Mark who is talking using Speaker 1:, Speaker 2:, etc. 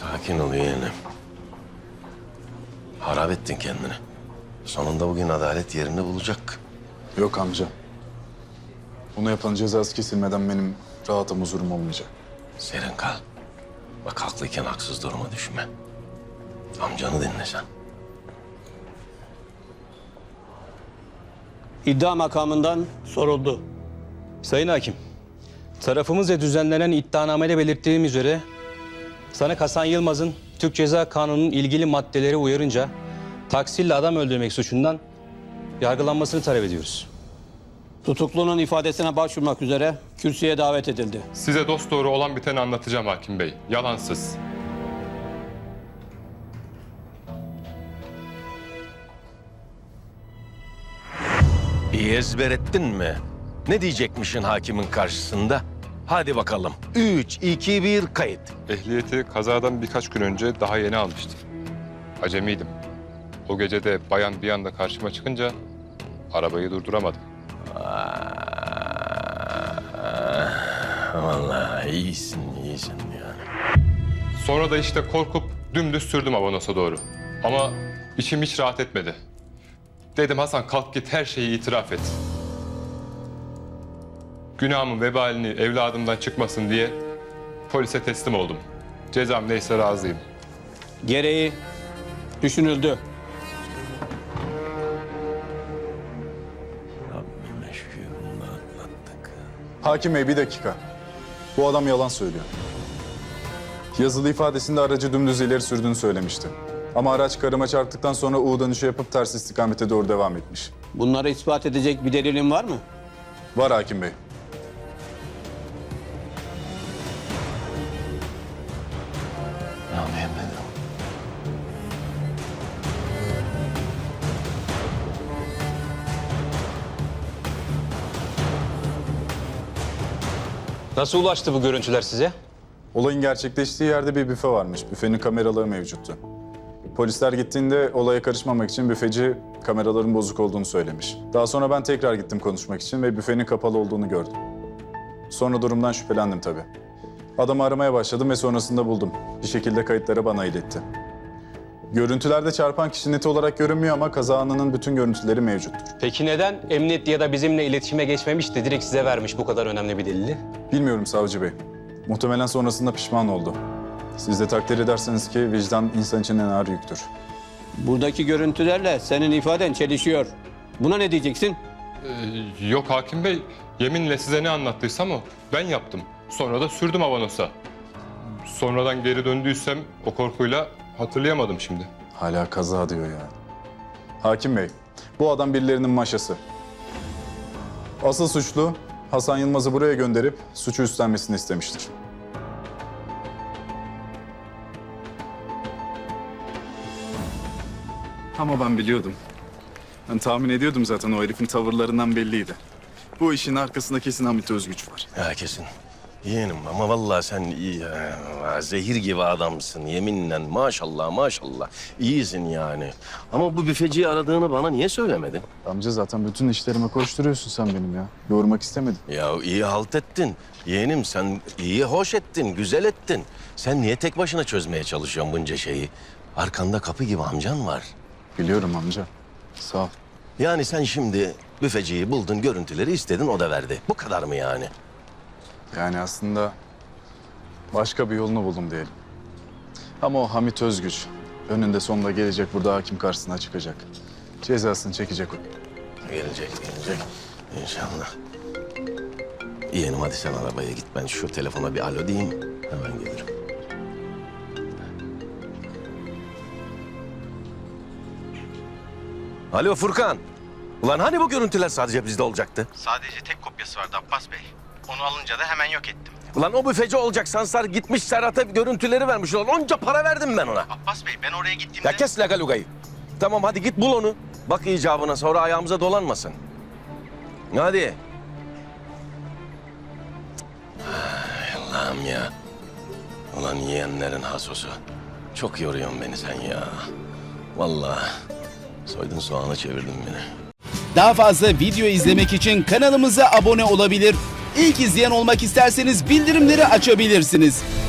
Speaker 1: Sakin ol yeğenim. Harap ettin kendini. Sonunda bugün adalet yerini bulacak.
Speaker 2: Yok amca. Bunu yapan cezası kesilmeden benim rahatım, huzurum olmayacak.
Speaker 1: Serin kal. Bak haklıyken haksız duruma düşme. Amcanı dinle sen.
Speaker 3: İddia makamından soruldu.
Speaker 4: Sayın Hakim, tarafımızca düzenlenen iddianamede belirttiğim üzere sanık Hasan Yılmaz'ın Türk Ceza Kanunu'nun ilgili maddeleri uyarınca taksirle adam öldürmek suçundan yargılanmasını talep ediyoruz.
Speaker 3: Tutuklunun ifadesine başvurmak üzere kürsüye davet edildi.
Speaker 5: Size dosdoğru olan biteni anlatacağım hakim bey. Yalansız.
Speaker 1: İyi ezber ettin mi? Ne diyecekmişin hakimin karşısında? Hadi bakalım. 3, 2, 1 kayıt.
Speaker 5: Ehliyeti kazadan birkaç gün önce daha yeni almıştım. Acemiydim. O gece de bayan bir anda karşıma çıkınca arabayı durduramadım.
Speaker 1: Vallahi iyisin yani.
Speaker 5: Sonra da işte korkup dümdüz sürdüm Avanos'a doğru. Ama içim hiç rahat etmedi. Dedim Hasan kalk git her şeyi itiraf et. Günahımın vebalini evladımdan çıkmasın diye polise teslim oldum. Cezam neyse razıyım.
Speaker 3: Gereği düşünüldü.
Speaker 1: Rabbime şükür bunu atlattık.
Speaker 2: Hakim Bey bir dakika. Bu adam yalan söylüyor. Yazılı ifadesinde aracı dümdüz ileri sürdüğünü söylemişti. Ama araç karıma çarptıktan sonra U dönüşü yapıp ters istikamete doğru devam etmiş.
Speaker 3: Bunları ispat edecek bir delilin var mı?
Speaker 2: Var Hakim Bey.
Speaker 1: Amin.
Speaker 4: Nasıl ulaştı bu görüntüler size?
Speaker 2: Olayın gerçekleştiği yerde bir büfe varmış. Büfenin kameraları mevcuttu. Polisler gittiğinde olaya karışmamak için büfeci kameraların bozuk olduğunu söylemiş. Daha sonra ben tekrar gittim konuşmak için ve büfenin kapalı olduğunu gördüm. Sonra durumdan şüphelendim tabii. Adamı aramaya başladım ve sonrasında buldum. Bir şekilde kayıtlara bana iletti. Görüntülerde çarpan kişi net olarak görünmüyor ama kaza anının bütün görüntüleri mevcuttur.
Speaker 4: Peki neden emniyet ya da bizimle iletişime geçmemiş de direkt size vermiş bu kadar önemli bir delili?
Speaker 2: Bilmiyorum savcı bey. Muhtemelen sonrasında pişman oldu. Siz de takdir ederseniz ki vicdan insan için en ağır yüktür.
Speaker 3: Buradaki görüntülerle senin ifaden çelişiyor. Buna ne diyeceksin?
Speaker 5: Yok hakim bey, yeminle size ne anlattıysam o. Ben yaptım. Sonra da sürdüm Avanos'a. Sonradan geri döndüysem o korkuyla hatırlayamadım şimdi.
Speaker 2: Hala kaza diyor ya. Hakim Bey, bu adam birilerinin maşası. Asıl suçlu Hasan Yılmaz'ı buraya gönderip suçu üstlenmesini istemiştir. Ama ben biliyordum. Ben tahmin ediyordum zaten, o herifin tavırlarından belliydi. Bu işin arkasında kesin Hamit Özgüç var.
Speaker 1: Ya kesin. Yeğenim ama vallahi sen iyi, zehir gibi adamsın yeminle. Maşallah maşallah. İyisin yani. Ama bu büfeciyi aradığını bana niye söylemedin?
Speaker 2: Amca zaten bütün işlerime koşturuyorsun sen benim ya. Yormak istemedim.
Speaker 1: Ya iyi halt ettin. Yeğenim sen iyi hoş ettin, güzel ettin. Sen niye tek başına çözmeye çalışıyorsun bunca şeyi? Arkanda kapı gibi amcan var.
Speaker 2: Biliyorum amca. Sağ ol.
Speaker 1: Yani sen şimdi büfeciyi buldun, görüntüleri istedin, o da verdi. Bu kadar mı yani?
Speaker 2: Yani aslında başka bir yolunu buldum diyelim. Ama o Hamit Özgüç önünde sonunda gelecek, burada hakim karşısına çıkacak. Cezasını çekecek o.
Speaker 1: Gelecek İnşallah. Yeğenim hadi sen arabaya git. Ben şu telefona bir alo diyeyim. Hemen gelirim. Alo Furkan. Ulan hani bu görüntüler sadece bizde olacaktı?
Speaker 6: Sadece tek kopyası vardı Abbas Bey. Onu alınca da hemen yok ettim.
Speaker 1: Ulan o büfeci olacak Sansar gitmiş Serhat'a görüntüleri vermiş. Ulan onca para verdim ben ona.
Speaker 6: Abbas Bey ben oraya gittiğimde...
Speaker 1: Ya kes lagalugayı. Tamam hadi git bul onu. Bak icabına sonra ayağımıza dolanmasın. Hadi. Ay Allah'ım ya. Ulan yiyenlerin hasosu. Çok yoruyorsun beni sen ya. Vallahi soydun soğanı çevirdin beni.
Speaker 7: Daha fazla video izlemek için kanalımıza abone olabilir. İlk izleyen olmak isterseniz bildirimleri açabilirsiniz.